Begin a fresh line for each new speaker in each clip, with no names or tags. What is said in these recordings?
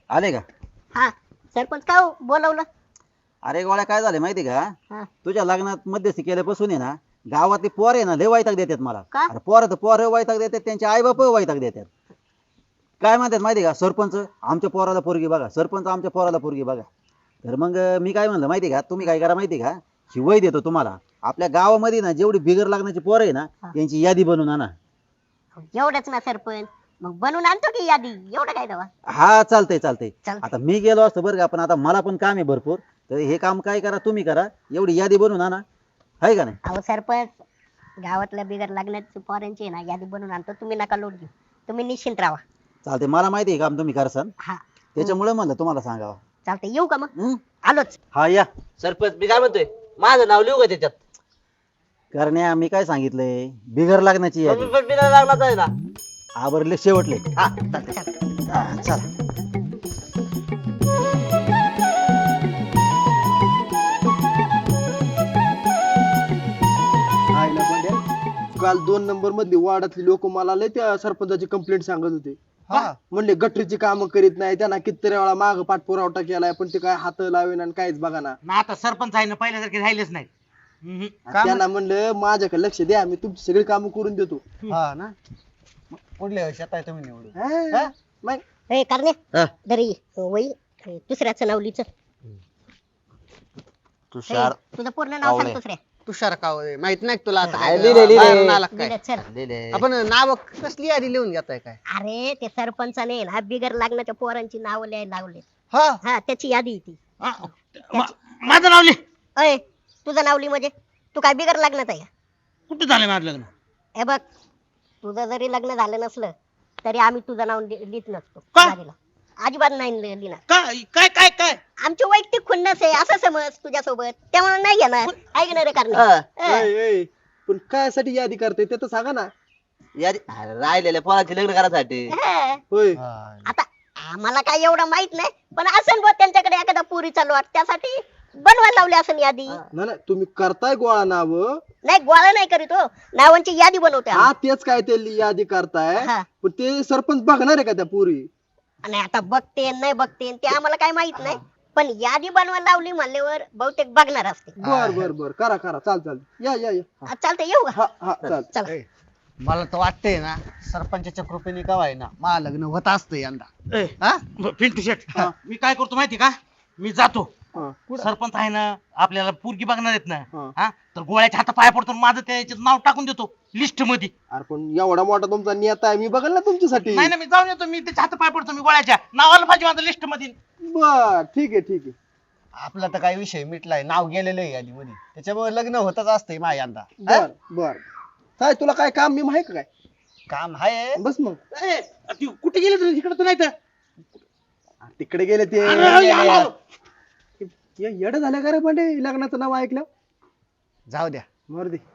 आले का?
हा सरपंच का हो बोलवलं?
अरे गोळ्या काय झाले माहिती का?
हा
तुझ्या लग्नात मध्यस्थी केल्यापासून आहे ना गावातली पोरं आहे ना लय वैताग देतात मला.
का?
अरे पोरं तर पोरं वैताग देतात, त्यांचे आई बाप वैताग देतात. काय म्हणतात माहिती का? सरपंच आमच्या पोराला पोरगी बघा, सरपंच आमच्या पोराला पोरगी बघा. तर मग मी काय म्हणलं माहिती का, तुम्ही काय करा माहिती का, शिवाय देतो तुम्हाला. आपल्या गावामध्ये ना जेवढी बिगर लागण्याची पोरं आहे ना
हा.
त्यांची यादी बनवून आणा.
एवढंच ना सरपंच, मग बनवून आणतो की यादी, एवढं काय दवा.
हा चालतंय चालतंय.
चालतंय.
आता मी गेलो असतो बरं का, पण आता मला पण काम आहे भरपूर. तर हे काम काय करा तुम्ही करा, एवढी यादी बनवून आणा, आहे का नाही?
अहो सरपंच, गावातल्या बिगर लागण्याची पोरांची आहे ना यादी बनवून आणतो, तुम्ही नका लोट घेऊ, तुम्ही निश्चिंत राहा.
चालते, मला माहिती आहे काम तुम्ही करसान,
हा
त्याच्यामुळे म्हणलं तुम्हाला सांगावं.
चालतंय, येऊ का मग?
हं?
आलोच.
हा या.
सरपंच मी काय म्हणतोय, माझं नाव लिहू का त्याच्यात?
करण्या मी काय सांगितलंय, बिगर लागण्याची
मग
यादी.
मी पण बिना लागलाच आहे ना.
आवरले शेवटले.
हा चालतंय.
चला.
आईला बंड्या, काल 2 नंबर मधली वार्डातली लोक मला लय त्या सरपंचाची कंप्लेंट सांगत होते. म्हणले गटरीची कामं करीत नाही, त्यांना कितीतरी वेळा माग पाठपुरावठा केलाय पण ते काय हात लावेन आणि काहीच बघा ना.
ना आता सरपंच आहे ना पहिल्यासारखे राहिलेच नाही.
त्यांना म्हणलं माझ्याकडे लक्ष द्या, मी तुमची सगळी कामं करून देतो.
हा ना, पुढल्या वर्षात आहे तुम्ही निवडून.
हा? मग
ए करणे
हा.
दरी वही दुसऱ्याचं नाव लिहिचं.
तुषार
तुझं पूर्ण नाव सांग
कावळे.
दुसऱ्या.
तुषार कावळे माहित नाही का तुला आता
काय
काय
लिहिलंय?
बाहेरून आला का काय?
लिहिलं, चल.
लिहिले.
आपण नाव कसली यादी लिहून घेताय काय?
अरे ते सरपंचाने ना बिगर लागण्याच्या पोरांची नावं लिहायला लावले.
हा
हा त्याची यादी आहे ती.
माझं नाव लिह.
अय तुझं नाव लिह, म्हणजे तू काय बिगर लग्नाचा आहे का?
कुठं झालं माझं लग्न?
हे बघ, तुझं जरी लग्न झालं नसलं तरी आम्ही तुझं नाव लिहित नसतो
का?
यादीला. अजिबात नाही लिहिणार.
काय काय काय काय
आमची वैयक्तिक खुन्नस आहे असं समज तुझ्यासोबत, त्यामुळे नाही घेणार. ऐकणार आहे
हा.
कारण
ऐ, पण कायसाठी यादी करते ते तर सांगा ना.
यादी अरे राहिलेल्या पोराचे लग्न करायसाठी.
होय,
आता आम्हाला काय एवढं माहित नाही, पण असेल बुवा त्यांच्याकडे एखादा पुरीचा लॉट, त्यासाठी बनवायला लावली असेल यादी.
ना तुम्ही करताय गोळा नाव.
नाही गोळा नाही करीत हो, नावांची यादी बनवते
हा
आम्ही.
तेच काय ते यादी करताय,
हा.
पण ते सरपंच बघणार आहे का त्या पुरी?
आणि आता बघते नाही बघते ते आम्हाला काय माहित नाही, पण यादी बनवायला लावली म्हणल्यावर बहुतेक बघणार असते.
बर बर बर, करा करा, चाल चाल, या या या.
चालतंय, येऊ का?
हा हा चाल.
चला.
ए, मला तर वाटतंय ना सरपंचाच्या कृपेने का ना मला लग्न होत असतं यंदा.
ए,
हा?
पिंटू शेट, मी काय करतो माहिती का, मी जातो.
हा.
सरपंच आहे ना आपल्याला पोरगी बघणार आहेत ना.
हा.
हा तर गोळ्याच्या हाता पाया पडतो, माझं त्याच्यात नाव टाकून देतो लिस्ट मध्ये.
अरे पण एवढा मोठा तुमचा नेता आहे, मी बघल ना तुमच्यासाठी.
नाही ना, मी जाऊन येतो, मी त्याच्या हाता पाया पडतो, मी गोळ्याच्या नावाला पाहिजे माझं लिस्ट मध्ये.
बर ठीक आहे ठीक आहे.
आपला तर काही विषय मिटलाय, नाव गेलेलं आहे यादी मध्ये, त्याच्यामुळे लग्न होतच असतंय माझ्या यंदा.
बर बर, काय तुला काय काम मी माहिती काय?
काम आहे.
बस मग
ए, ती कुठे गेले तुम्ही, इकडे तर नाही तर.
तिकडे गेले ते.
अरे, आलो, आलो.
येड झाल्या का रे पांडे, लग्नाचं नाव ऐकलं?
जाऊ द्या.
मर दे.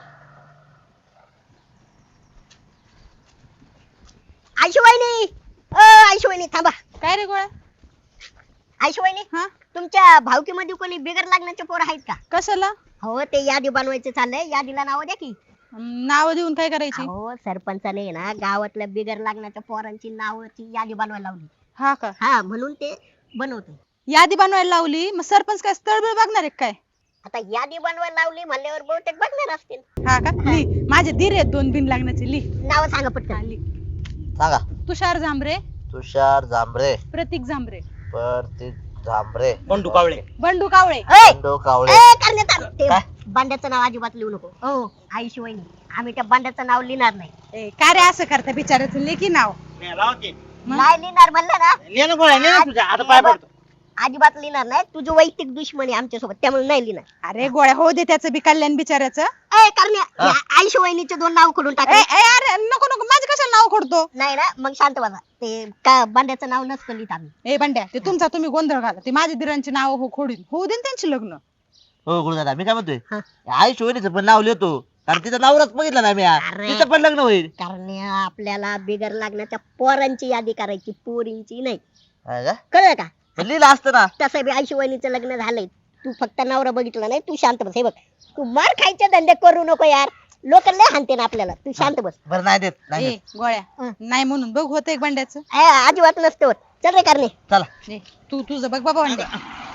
आयशुवाहिनी, आयशुवाहिनी थांबा.
काय रे गोळ्या?
आयशुवाहिनी,
हा
तुमच्या भावकीमध्ये कोणी बिगर लागण्याचे पोर आहेत का?
कशाला?
हो ते यादी बनवायचं चाललंय, यादीला नाव द्या की.
नाव देऊन काय करायची?
हो सरपंचाने ना गावातल्या बिगर लागण्याच्या पोरांची नावाची यादी बनवायला लावली.
हा का?
हा म्हणून ते बनवतो.
यादी बनवायला लावली, मग सरपंच काय स्थळबीळ बघणार आहे काय?
आता यादी बनवायला लावली म्हणल्यावर बहुतेक बघणार असतील.
हा का? ली माझे धीर आहेत 2 बिन लागण्याचे, ली.
नाव सांगा पटकन.
ली.
सांगा.
तुषार झांबरे,
तुषार जांभरे,
प्रतीक झांबरे,
प्रतीक झांभरे,
बंडू कावळे.
बंडू कावळे.
ए,
बंडू कावळे.
ए, करण्यात आलं. ते
काय?
बांड्याचं नाव अजिबात लिहू नको. हो आईशिवायनी, आम्ही त्या बांड्याचं नाव लिहिणार नाही.
ए, काय रे असं करता बिचाराचं लेखी नाव? मग?
नाही लिहिणार म्हणलं ना,
ले ना गोळ्या, ले ना तुझ्या हाता पाया पडतो.
अजिबात लिहिणार नाही. तुझी वैयक्तिक दुश्मनी आमच्या सोबत, त्यामुळे नाही लिहिणार.
अरे गोळ्या, हो दे त्याचं बी कल्याण बिचाराचं.
ए करण्या, आईशिवायनीचे 2 नाव खोडून टाक.
ए, ए, अरे नको नको, माझं कशाला नाव खोडतो?
नाही ना, मग शांत बसा. ते का बांड्याचं नाव नसतं लिहित आम्ही.
ए बंड्या, ते तुमचा तुम्ही गोंधळ घाला. ते माझ्या धीरांची नाव हो खोडीन, होऊ दे ना त्यांची लग्न.
हो गुरुदादा, मी काय म्हणतोय,
हा.
आई शिवणीचं पण नाव लिहितो, कारण तिचं नावच बघितलं ना मी.
अरे.
तिचं पण लग्न होईल.
करण्या, आपल्याला बिगर लागण्याच्या पोरांची यादी करायची, पोरींची नाही.
आहे का?
कळलं का?
पण लिहिलं असतं ना.
तसं बी आईशिवायनीचं लग्न झालंय. तू फक्त नवरा बघितला नाही, तू शांत बस. हे बघ, तू मार खायचे धंदे करू नको यार. लोक लय हाणते ना आपल्याला. तू शांत बस.
बरं नाही देत नाही
ए
देत.
गोळ्या नाही म्हणून बघ होत एक बंड्याचं.
अजिबात नसतं होत. चल रे कारणे.
चला
ए, तू तुझं बघ बाबा बंड्या.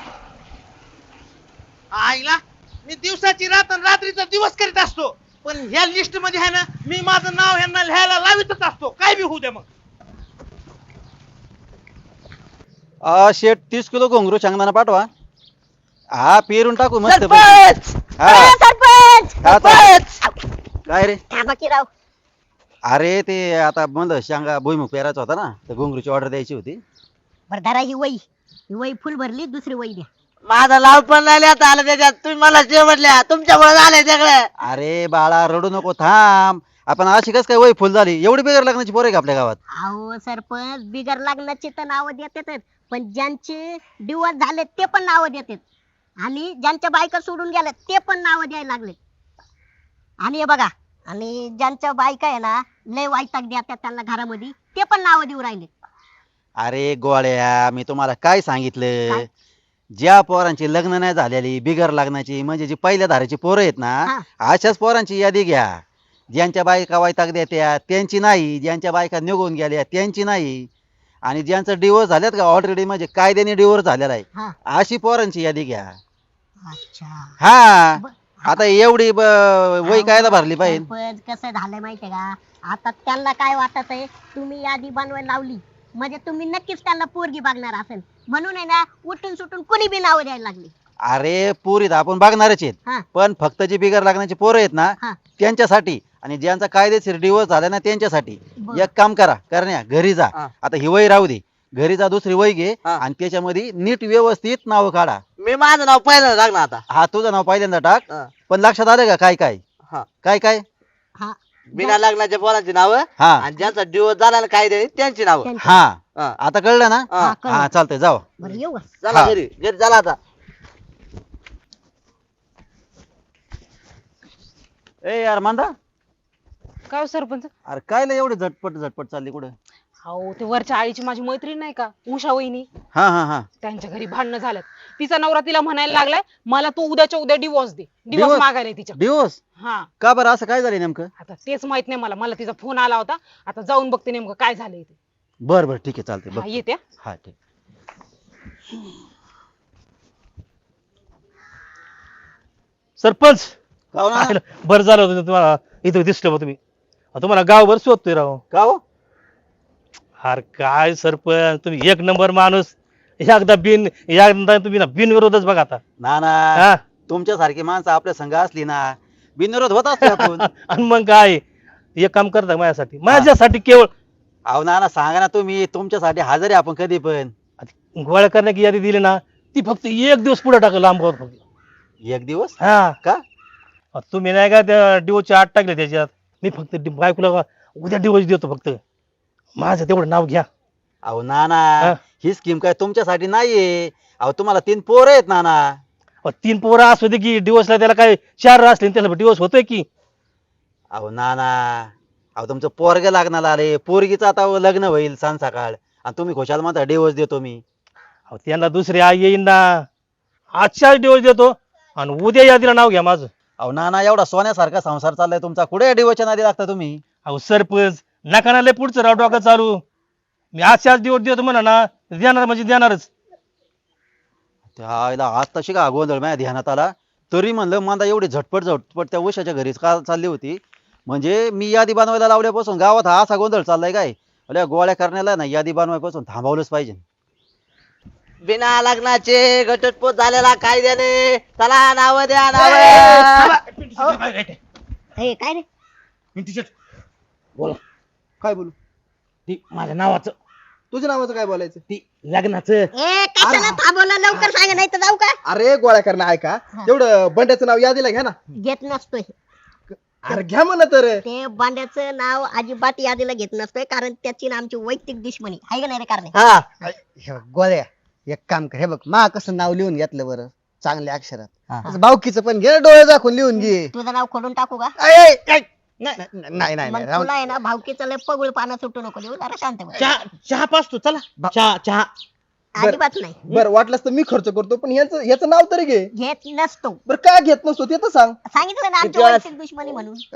आईला मी दिवसाची रात आणि रात्रीचा दिवस करीत असतो, पण ह्या लिस्ट मध्ये आहे ना मी माझं नाव ह्यांना लिहायला लावितच असतो, काय बी होऊ द्या मग.
शेट 30 किलो घोंगरू शेंगदाणा पाठवा. हा पेरून टाकू मस्त
सरपंच
हा
सरपंच
हा, चालेल. काय रे
थांबा की राव.
अरे ते आता म्हणलं शेंगा भुईमुग पेरायचा होता ना, तर घोंगरूची ऑर्डर द्यायची होती.
बरं धरा ही वही फुल भरली. दुसरी वही द्या.
माझा लाव पण नाही लिहिता आलं त्याच्यात. तुम्ही मला शेवटल्या तुमच्यामुळे झालंय सगळं.
अरे बाळा रडू नको, थांब. आपण अशी कस काय वय फुल झाली? एवढी बेगर लग्नाची पोरं आहे का आपल्या गावात?
अहो सरपंच बिगर लग्नाची तर नावं देतात, पण ज्यांचे डिवोर्स झाले ते पण नावं देतात, आणि ज्यांच्या बायका सोडून गेल्या ते पण नावं द्यायला लागले. आणि हे बघा, आणि ज्यांच्या बायका आहे ना लय वैताग देतात त्यांना घरामध्ये, ते पण नावं देऊ राहिले.
अरे गोळ्या, मी तुम्हाला काय सांगितलं?
काय?
ज्या पोरांची लग्न नाही झालेली, बिगर लग्नाची, म्हणजे जी पहिल्या धाराची पोरं आहेत ना,
हा.
अशाच पोरांची यादी घ्या. ज्यांच्या बायका वैताग देत्या त्यांची नाही, ज्यांच्या बायका निघून गेल्या त्यांची नाही, आणि ज्यांचं डिवोर्स झाल्यात का ऑलरेडी, म्हणजे कायद्याने डिवोर्स झालेला आहे,
हा.
अशी पोरांची यादी घ्या.
अच्छा.
हा
ब-
आता एवढी वय कायला भरली पाहिजे?
सरपंच कसं झालंय माहितीये का, आता त्यांना काय वाटत आहे, तुम्ही यादी बनवायला लावली म्हणजे तुम्ही नक्कीच त्यांना पोरगी बघणार असेल, म्हणून आहे ना उठून सुटून कोणी बी नावं द्यायला लागली.
अरे पुरीत आपण बघणारच आहेत,
हा.
पण फक्त जी बिगर लग्नाची पोरं आहेत ना
हा.
त्यांच्यासाठी, आणि ज्यांचा कायदेशीर डिवोर्स झाला ना त्यांच्यासाठी.
बरं.
एक काम करा करण्या, घरी जा.
हा.
आता ही वय राहू दे, घरी जा, दुसरी वय घे,
हा.
आणि त्याच्यामध्ये नीट व्यवस्थित नाव काढा.
मी माझं नाव पहिलं लागणार आता.
हा तुझं नाव पहिल्यांदा टाक,
हा.
पण लक्षात आलं का काय काय
हा.
काय काय?
हा.
बिना लग्नाच्या पोरांची नावं
हा
आणि ज्यांचा डिवोर्स झाला ना काय त्यांची नावं.
त्यांची.
हा
हा.
आता कळलं ना?
हा.
हा, कळलं.
हा चालतंय, जाऊ.
बरं येऊ का?
चला
हा.
घरी घरी चला आता.
ए यार मांदा,
काय हो सरपंच?
अरे काय लय एवढी झटपट झटपट चालली कुठं?
अहो ते वरच्या आळीची माझी मैत्रीण नाही का उषा वहिनी,
हा हा हा
त्यांच्या घरी भांडणं झाल्यात. तिचा नवरा तिला म्हणायला लागलाय मला तू उद्याच्या उद्या डिवोर्स दे. Divorce
Divorce?
मागायला तिच्या.
डिवोर्स
हा
का बरं? असं काय झालं नेमकं?
आता तेच माहित नाही मला. मला तिचा फोन आला होता, आता जाऊन बघते नेमकं काय झालंय ते.
बर बर ठीक आहे, चालतंय
हा,
बघ.
येते.
हा ठीक.
सरपंच
का हो ना?
आयला, बरं झालं होतं तुम्हाला इथं दिसलं बा तुम्ही. तुम्हाला गावभर शोधतोय राव.
का हो?
अरे काय सरपंच, तुम्ही एक नंबर माणूस. एकदा तुम्ही ना बिनविरोधच बघा आता.
ना ना,
हा
तुमच्यासारखी माणसं आपल्या संघ असली ना, बिनविरोध होत असतो आपण.
आणि मग काय एक काम करता माझ्यासाठी केवळ
अहो ना ना, सांगा ना तुम्ही, तुमच्यासाठी हजर आहे आपण कधी पण.
गोळ्या करण्याची यादी दिली ना, ती फक्त एक दिवस पुढे टाकलं लांब फक्त.
एक दिवस
हा
का?
तुम्ही नाही का त्या डिवोचे 8 टाकले त्याच्यात. मी फक्त बायकोला उद्या डिवोर्स देतो, फक्त माझं तेवढं नाव घ्या.
अहो ना
हा.
ना, ही स्कीम काय तुमच्यासाठी नाहीये. अहो तुम्हाला 3 पोरं आहेत ना ना.
3 पोरं असू दे की, डिवोर्सला त्याला काय 4 असले त्याला डिवोर्स होतोय की.
अहो ना ना, अहो तुमचं पोरग लागणार आले, पोरगीचं आता लग्न होईल सांग सकाळ, आणि तुम्ही खुशाल म्हणता डिवोर्स देतो मी.
अहो, त्यांना दुसरी आई येईन ना. आजच्या डिवोर्स देतो आणि उद्या यादीला नाव घ्या माझं.
अहो ना ना, एवढा सोन्यासारखा संसार चाललाय तुमचा, कुठे डिवोर्सच्या नादी लागता तुम्ही?
अहो सरपंच नका ना लय पुढचं राव डोकं चालू. मी आजच्याच डिवोर्स देतो म्हणा ना, देणार म्हणजे देणारच.
त्याला आज तशी का गोंधळ माझ्या ध्यानात आला, तरी म्हणलं मला एवढी झटपट झटपट त्या उषाच्या घरीच का चालली होती. म्हणजे मी यादी बनवायला लावल्यापासून गावात हा असा गोंधळ चाललाय काय? अरे गोळ्या करण्याला ना यादी बनवायपासून थांबवलंच पाहिजे.
बिना लग्नाचे घटस्फोट झालेला कायद्याने. चला नाव द्या नाव.
हे काय रे?
काय बोलू?
माझ्या नावाचं
तुझ्या नावाचं काय बोलायचं?
लग्नाचं.
ए कशाला थांबवलं? लवकर सांगा नाही तर जाऊ का?
अरे गोळ्या करणं ऐका, तेवढं बंड्याचं नाव यादीला घ्या ना.
घेत नसतोय
अरे घ्या म्हणा तर.
ते बांड्याचं नाव अजिबात यादीला घेत नसतोय, कारण त्याची ना आमची वैयक्तिक दुश्मनी आहे का नाही रे कारणे?
हा
हे बघ, गोळ्या एक काम कर, हे बघ मा कसं नाव लिहून घेतलं बरं चांगल्या अक्षरात.
हा.
असं भाऊकीचं पण घे ना, डोळे दाखवून लिहून घे.
तुझं नाव खोडून टाकू का?
नाही नाही
मग
राहून-
तुला आहे ना भावकीचं लय पगुळ पाना सुटू नको देऊ, जरा शांत बस.
चहा पाचतो, चला चहा चहा.
अजिबात नाही
बरं वाटलंच तर मी खर्च करतो, पण ह्याचं नाव तरी घे.
घेत नसतो.
बरं का घेत नसतो ते तर सांग.
सांगितलं ना आमची
किती वेळा-
वैयक्तिक दुश्मनी म्हणून.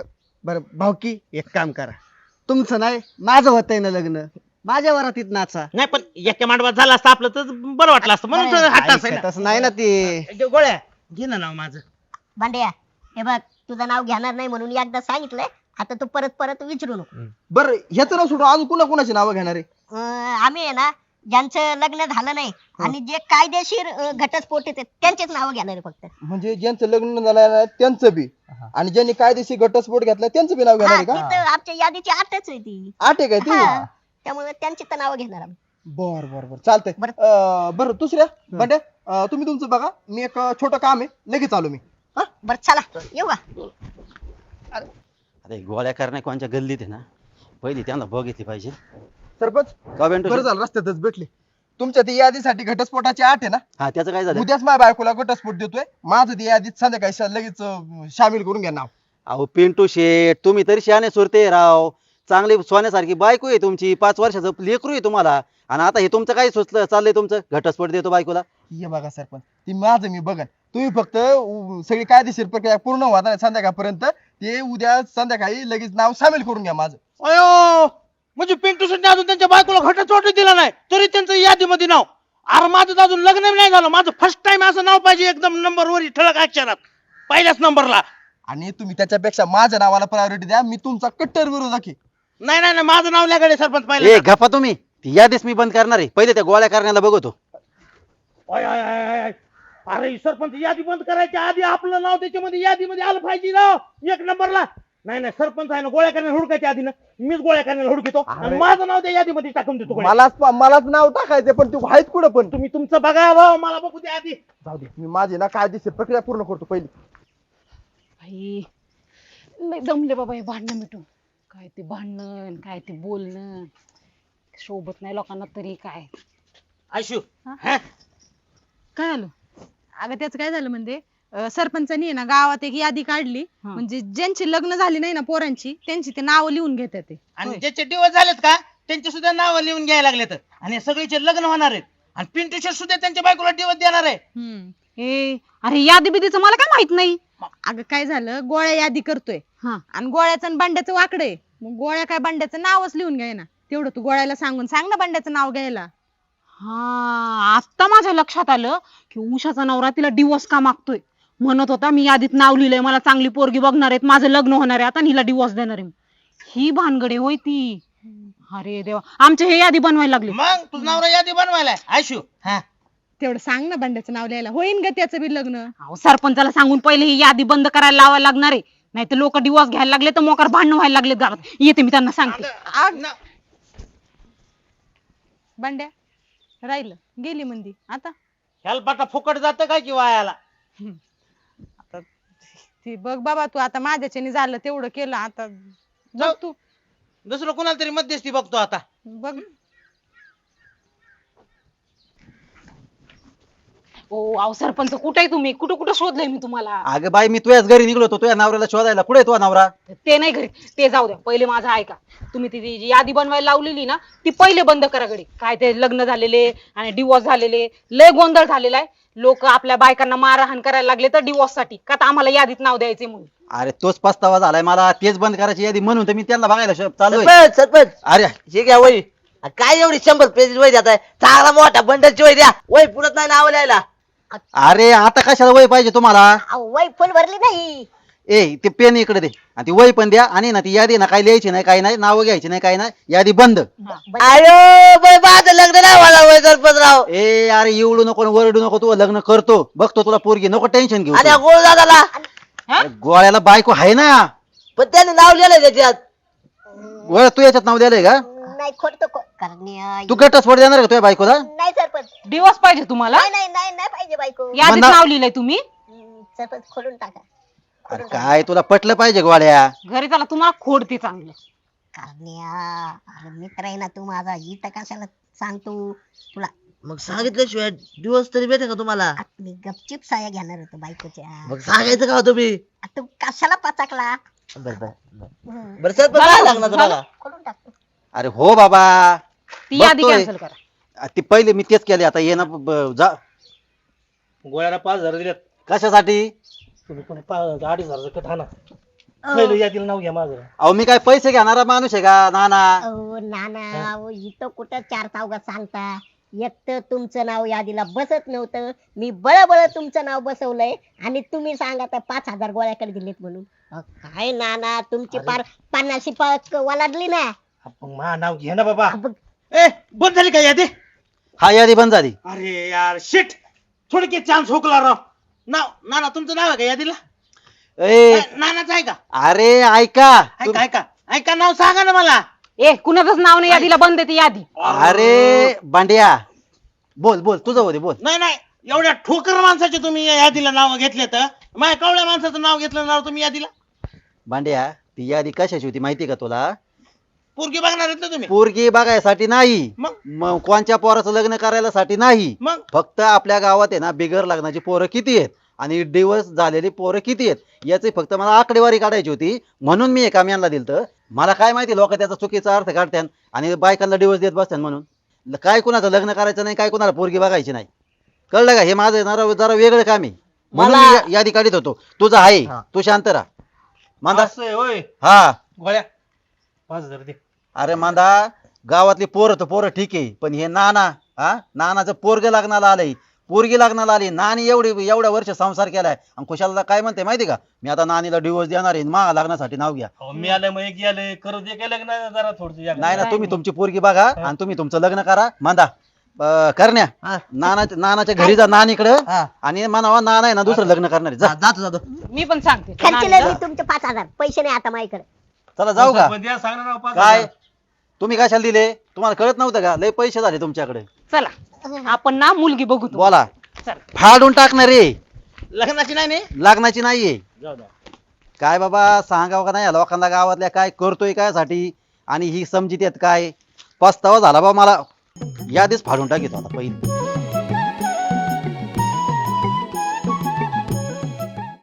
बरं भाऊकी एक काम करा, तुमचं नाही माझं होतंय ना लग्न, माझ्या वरातीत नाचा.
नाही पण एका मांडवात झालं असतं आपलं तर बरं वाटलं असतं म्हणून तर हट्ट असायला.
तसं नाही ना ते.
गोळ्या घे ना नाव माझं.
भांड्या हे बघ तुझं नाव घेणार नाही म्हणून एकदा सांगितलंय, आता तू परत परत विचारू नको.
बरं ह्याचं नाव सोडून अजून कुणा कुणाची नावं घेणार आहे?
आम्ही आहे ना ज्यांचं लग्न झालं नाही आणि जे कायदेशीर घटस्फोट आहेत त्यांचेच नाव घेणार आहे फक्त.
म्हणजे ज्यांचं लग्न झालं नाही त्यांचं बी आणि ज्यांनी कायदेशीर घटस्फोट घेतला त्यांचं बी नाव घेणार आहे
हा,
का?
ती तर आमच्या यादीची आठच आहे ती.
8 आहे काय ती?
हा, त्यामुळे त्यांची तर नावं घेणार आम्ही.
बर बर बर चालतंय. बरं दुसऱ्या बंड्या तुम्ही तुमचं बघा, मी एक छोटं काम आहे लगेच आलो मी.
बरं चला येऊ का?
अरे गोळ्या करण्या कोणच्या गल्लीत आहे ना, पहिली त्यांना बघितली पाहिजे.
सरपंच
का बेंटू?
बरं झालं रस्त्यातच भेटले. तुमच्या ती यादीसाठी घटस्फोटाची 8 आहे ना,
हा त्याचं काय झालं?
उद्याच माझ्या बायकोला घटस्फोट देतोय. माझं ती यादीत संध्याकाळी लगेच सामील करून घ्या नाव.
अहो पिंटू शेठ, तुम्ही तरी शहाणे सुरते राव. चांगली सोन्यासारखी बायको आहे तुमची, 5 वर्षाचं लेकरू आहे तुम्हाला, आणि आता हे तुमचं काय सुचलं चाललंय तुमचं? घटस्फोट देतो बायकोला.
ये बघा सरपंच, ती माझं मी बघन. तुम्ही फक्त सगळी कायदेशीर प्रक्रिया पूर्ण होणार संध्याकाळपर्यंत, ते उद्या संध्याकाळी लगेच नाव सामील करून घ्या माझं.
अयो म्हणजे पिंटू शेट्टी अजून त्यांच्या बायकोला घटस्फोट दिला नाही तरी त्यांचं यादीमध्ये नाव. अरे माझं तर अजून लग्न नाही झालं, माझं फर्स्ट टाइम असं नाव पाहिजे एकदम नंबर वर ठळक अक्षरात पहिल्याच नंबरला.
आणि तुम्ही त्याच्यापेक्षा माझ्या नावाला प्रायोरिटी द्या, मी तुमचा कट्टर विरोधक आहे.
नाही नाही नाही, माझं नाव लागले सरपंच
ए
पाहिजे.
गप्पा तुम्ही, ती यादीच मी बंद करणार आहे. पहिले त्या गोळ्या करण्याला बघतो.
अरे सरपंच यादी बंद करायच्या आधी आपलं नाव त्याच्यामध्ये यादीमध्ये आलं पाहिजे नाव एक नंबरला. नाही नाही सरपंच आहे ना, गोळ्या करण्याला हुडकायच्या आधी ना मीच गोळ्या करण्याला हुडकितो आणि माझं नाव त्या यादीमध्ये टाकून देतो.
मलाच नाव टाकायचं, पण तू आहेत कुठं पण?
तुम्ही तुमचं बघा राव, मला बघू द्या आधी.
जाऊ दे, मी माझी ना कायदेशीर प्रक्रिया पूर्ण करतो पहिली.
भाई लय दमले बाबा हे भांडणं मिटून. काय ते भांडण, काय ते बोलणं शोभत नाही लोकांना तरी. काय
आयशू
काय झालं? अगं त्याचं काय झालं म्हणजे सरपंचानी आहे ना गावात एक यादी काढली, म्हणजे ज्यांची लग्न झाली नाही ना पोरांची, त्यांची ते नाव लिहून घेतात ते.
आणि ज्याचे दिवस झालेत का त्यांचे सुद्धा नाव लिहून घ्यायला लागलेत आणि सगळीचे लग्न होणार आहेत. आणि पिंटू शेट सुद्धा त्यांच्या बायकोला दिवस देणार आहे.
अरे यादी बिदीचं मला काय माहित नाही.
अगं काय झालं, गोळ्या यादी करतोय
हा.
आणि गोळ्याचं आणि बंड्याचं वाकडं आहे. मग गोळ्या काय बंड्याचं नावच लिहून घ्याय ना, तेवढं तू गोळ्याला सांगून सांग ना बंड्याचं नाव घ्यायला.
हा आता माझ्या लक्षात आलं की उषाचा नवरा तिला डिवोर्स का मागतोय. म्हणत होता मी यादीत नाव लिहिलंय, मला चांगली पोरगी बघणार आहेत, माझं लग्न होणार आहे, आता हिला डिवोर्स देणार आहे. ही भानगडे होय ती. अरे देवा, आमचे हे यादी बनवायला लागले.
मग तुझं नवरा यादी बनवायला आयशू.
तेवढं सांग ना बंड्याचं नाव लिहायला, होईन ग त्याचं बी लग्न.
अहो, सरपंचाला सांगून पहिले ही यादी बंद करायला लावायला लागणार आहे, नाही तर लोक डिवोर्स घ्यायला लागले तर मोकार भांडण व्हायला लागले घरात. येते मी त्यांना सांगते.
बंड्या राहिलं गेली मंदी आता.
हेल्पाटा फुकट जातं काय किंवा याला.
आता ती बघ बाबा, तू आता माझ्याच्याने झालं तेवढं केलं, आता बघ तू
दुसरं कोणाला तरी मध्यस्थी बघतो आता.
बघ.
ओ अहो सरपंच कुठे आहे तुम्ही? कुठं कुठं शोधलंय मी तुम्हाला.
अगं बाई, मी तुझ्याच घरी निघलो होतो तुझ्या नवऱ्याला शोधायला. कुठे आहे तुझा नवरा?
ते नाही घरी, ते जाऊ द्या. पहिले माझं ऐका. तुम्ही ती जी यादी बनवायला लावलेली ना ती पहिले बंद करा घडी. काय ते लग्न झालेले आणि डिवोर्स झालेले लय गोंधळ झालेला आहे. लोक आपल्या बायकांना मारहाण करायला लागले तर डिवोर्स साठी, का तर आम्हाला यादीत नाव द्यायचे म्हणून.
अरे तोच पस्तावा झालाय मला, तेच बंद करायची यादी म्हणून तर मी त्यांना बघायला चालू.
सरपंच
अरे
हे घ्या वही. काय एवढी 100 पेज वही देताय? चांगला मोठा बंडलची वही द्या, वही पुरत नाही नाव लिहायला.
अरे आता कशाला वय पाहिजे तुम्हाला?
वय फुल भरली नाही.
ए ते पेन इकडे दे आणि ती वही पण द्या. आणि ना ती यादी ना काही लिहायची नाही, काही नाही, नाव घ्यायची नाही, काही नाही, यादी बंद.
अयो बाई, माझं लग्न नाही व्हायला वय सरपंच राव.
ए अरे एवढू नको, वरडू नको, तू लग्न करतो बघतो तुला पोरगी, नको टेन्शन घेऊ.
आणि गोळ दादाला
अरे, गोळ्याला बायको आहे ना,
पण त्याने नाव लिहिलंय त्याच्यात.
गोळ्या तू याच्यात नाव द्यायलंय का?
नाही खोटं कारण
तू घटस्फोट देणार का तुझ्या बायकोला?
नाही सरपंच,
डिवोर्स पाहिजे तुम्हाला?
नाही नाही नाही नाही पाहिजे बायको.
यादीत नाव लिहिलंय तुम्ही?
सरपंच खोलून टाका.
अरे काय तुला पटलं पाहिजे गोळ्या?
घरी चला, तुम्हाला खोडते चांगलं.
अरे मित्र आहे ना तू माझा, इथं कशाला सांगतो तुला?
मग सांगितल्याशिवाय दिवस तरी भेटे का तुम्हाला?
मी गपचिप साया घेणार होतो बायकोच्या.
मग सांगायचं का हो तुम्ही?
तू कशाला पचाकला?
बरं सरपंच काय लागणार तुम्हाला?
खोलून टाकतो.
अरे हो बाबा,
ती यादी
बघतोय.
कॅन्सल करा.
ती पहिले मी तेच केले, आता ये ना जा.
गोळ्याला 5,000 दिलेत.
कशासाठी?
तुम्ही कोणी 2,500 आणा. पहिलं यादीला नाव घ्या माझं.
अहो मी काय पैसे घेणारा माणूस आहे का नाना?
अहो नाना अहो इथं कुठं चार चौघात सांगता. एक तर तुमचं नाव यादीला बसत नव्हतं, मी बळबळ तुमचं नाव बसवलंय आणि तुम्ही सांगा तर 5,000 गोळ्याकडे दिलेत म्हणून. काय नाना तुमची पार 50 पाक वलाडली ना.
आपण मा नाव घे ना बाबा.
ए बंद झाली का यादी?
हा यादी बंद झाली.
अरे यार शिट, थोडके चान्स हुकला राव. नाव नाना तुमचं नाव आहे का यादीला?
ए
नानाचं आहे का?
अरे ऐका
ऐका ऐका ऐका, नाव सांगा ना मला.
ए कुणाचंच नाव नाही यादीला, बंद आहे ती यादी.
अरे बांड्या बोल बोल तुझं होते बोल.
नाही नाही, एवढ्या ठोकर माणसाचे तुम्ही या यादीला नाव घेतले तर माझ्या कवळ्या माणसाचं नाव घेतलं नाव तुम्ही यादीला.
बांड्या ती यादी कशाची होती माहिती का तुला?
पोरगी बघणार आहेत ना तुम्ही?
पोरगी बघायसाठी नाही,
मग
मग कोणच्या पोराचं लग्न करायला साठी नाही.
मग
फक्त आपल्या गावात आहे ना बिगर लग्नाची पोरं किती आहेत आणि डिवोर्स झालेली पोरं किती आहेत याची फक्त मला आकडेवारी काढायची होती, म्हणून मी एका मॅनला दिलतं. मला काय माहिती लोक त्याचा चुकीचा अर्थ काढतात आणि बायकांना डिवोर्स देत बसतात म्हणून. काय कुणाचं लग्न करायचं नाही, काय कुणाला पोरगी बघायची नाही. कळलं का? हे माझं जरा वेगळं काम आहे म्हणून मी यादी काढत होतो. तुझं आहे, तू शांत राहा. मांदा
असं आहे होय.
हा
गोळ्या 5,000 दे.
अरे मांदा गावातली पोरं तर पोरं ठीक आहे, पण हे नाना नानाचं पोरग लग्नाला आलंय, पोरगी लग्नाला आली. नानी एवढ्या वर्ष संसार केलाय आणि खुशाला काय म्हणते माहिती का? मी आता नानीला डिवोर्स देणार आहे, मा लग्नासाठी नाव घ्या.
अहो, मी आलं मग एक गेलं करू दे काय लग्न जरा थोडं.
नाही ना, तुम्ही तुमची पोरगी बघा आणि तुम्ही तुमचं लग्न करा. मांदा करण्या नानाच्या घरी जा नानीकडं आणि म्हणावा नाना आहे ना दुसरं लग्न करणार आहे. जा
जातो
मी पण सांगते
खर्चले मी तुमचे 5,000 पैसे नाही आता माझ्याकडे.
चला जाऊ का?
द्या सांगणार राव 5,000.
काय तुम्ही कशाला दिले? तुम्हाला कळत नव्हतं का? लय पैसे झाले तुमच्याकडे.
चला आपण ना मुलगी बघू तू.
बोला
चला.
फाडून टाकणार रे,
लग्नाची नाही नाही
लग्नाची नाहीये.
जाऊ द्या.
काय बाबा सांगावं का नाही या लोकांना गावातल्या, काय करतोय काय साठी आणि ही समजित येत काय? पस्तावा झाला बा मला. यादीच फाडून टाकीत होता पहिली.